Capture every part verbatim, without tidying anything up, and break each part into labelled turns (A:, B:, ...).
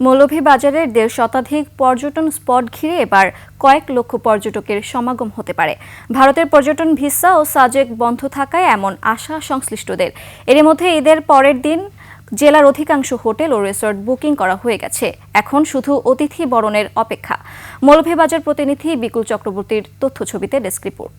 A: মৌলভীবাজারের দেড় শতাধিক পর্যটন স্পট ঘিরে এবার কয়েক লক্ষ পর্যটকের সমাগম হতে পারে। ভারতের পর্যটন ভিসা ও সাজেক বন্ধ থাকায় এমন আশা সংশ্লিষ্টদের। এর মধ্যে ঈদের পরের দিন জেলার অধিকাংশ হোটেল ও রিসোর্ট বুকিং করা হয়ে গেছে। এখন শুধু অতিথি বরণের অপেক্ষা। মৌলভীবাজার প্রতিনিধি বিকুল চক্রবর্তীর তথ্য ছবিতে ডেস্ক রিপোর্ট।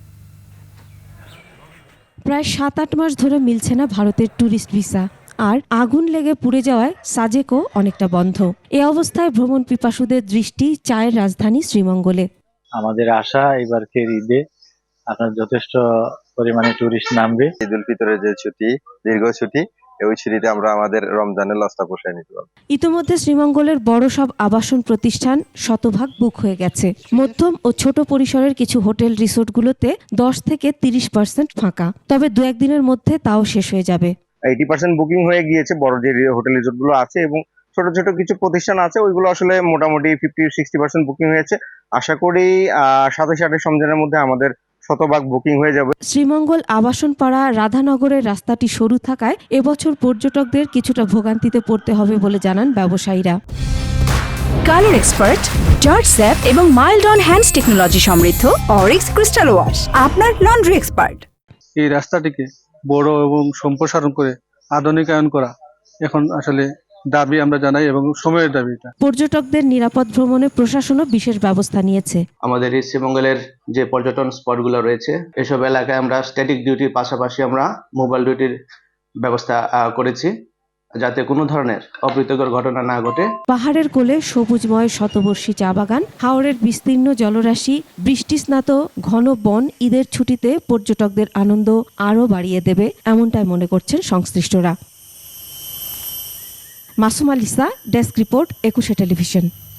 B: প্রায় সাত আট মাস ধরে মিলছে না ভারতের ট্যুরিস্ট ভিসা, আর আগুন লেগে পুড়ে যাওয়ায় সাজেকও অনেকটা বন্ধ। এ অবস্থায় ভ্রমণ পিপাসুদের দৃষ্টি চায়ের রাজধানী শ্রীমঙ্গলে।
C: আমাদের আশা এবারকের ঈদে আপনার যথেষ্ট পরিমাণে টুরিস্ট নামবে।
D: ঈদ উল ফিতরের যে ছুটি, দীর্ঘ ছুটি, ওই ছুটিতে আমরা আমাদের রমজানের লসটা পোষায় নিতে পারবো।
B: ইতোমধ্যে শ্রীমঙ্গলের বড় সব আবাসন প্রতিষ্ঠান শতভাগ বুক হয়ে গেছে। মধ্যম ও ছোট পরিসরের কিছু হোটেল রিসোর্টগুলোতে দশ থেকে তিরিশ পার্সেন্ট ফাঁকা, তবে দু একদিনের মধ্যে তাও শেষ হয়ে যাবে।
D: এইটি পার্সেন্ট বুকিং হয়ে গিয়েছে বড় যে হোটেল রিসোর্ট গুলো আছে, এবং ছোট ছোট কিছু প্রতিষ্ঠান আছে ওইগুলো আসলে মোটামুটি ফিফটি সিক্সটি পার্সেন্ট বুকিং হয়েছে। আশা করি আহ সাতাশ আঠাশ রমজানের মধ্যে আমাদের শতভাগ বুকিং হয়ে যাবে।
B: শ্রীমঙ্গল আবাসন পাড়া রাধানগরের রাস্তাটি সরু থাকায় এবছর পর্যটকদের কিছুটা ভোগান্তিতে পড়তে হবে বলে জানান ব্যবসায়ীরা।
E: কালার এক্সপার্ট, জর্জ স্যাপ এবং মাইল্ড অন হ্যান্ডস টেকনোলজি সমৃদ্ধ অরিক্স ক্রিস্টাল ওয়াশ আপনার লন্ড্রি এক্সপার্ট।
F: এই রাস্তাটিকে বড় এবং সম্প্রসারণ করে আধুনিকায়ন করা এখন আসলে দাবি আমরা জানাই, এবং সময়ের দাবি এটা।
B: পর্যটকদের নিরাপদ ভ্রমণে প্রশাসনও বিশেষ ব্যবস্থা নিয়েছে।
G: আমাদের এই শ্রীমঙ্গলের যে পর্যটন স্পটগুলো রয়েছে, এসব এলাকায় আমরা স্ট্যাটিক ডিউটির পাশাপাশি আমরা মোবাইল ডিউটির ব্যবস্থা করেছি, যাতে কোনো ধরনের অপ্রীতিকর ঘটনা না ঘটে।
B: পাহাড়ের কোলে সবুজময় শতবর্ষী চা বাগান, হাওরের বিস্তীর্ণ জলরাশি, বৃষ্টিস্নাত ঘন বন ঈদের ছুটিতে পর্যটকদের আনন্দ আরও বাড়িয়ে দেবে, এমনটাই মনে করছেন সংশ্লিষ্টরা। Masum Alisa, desk report, Ekushey television.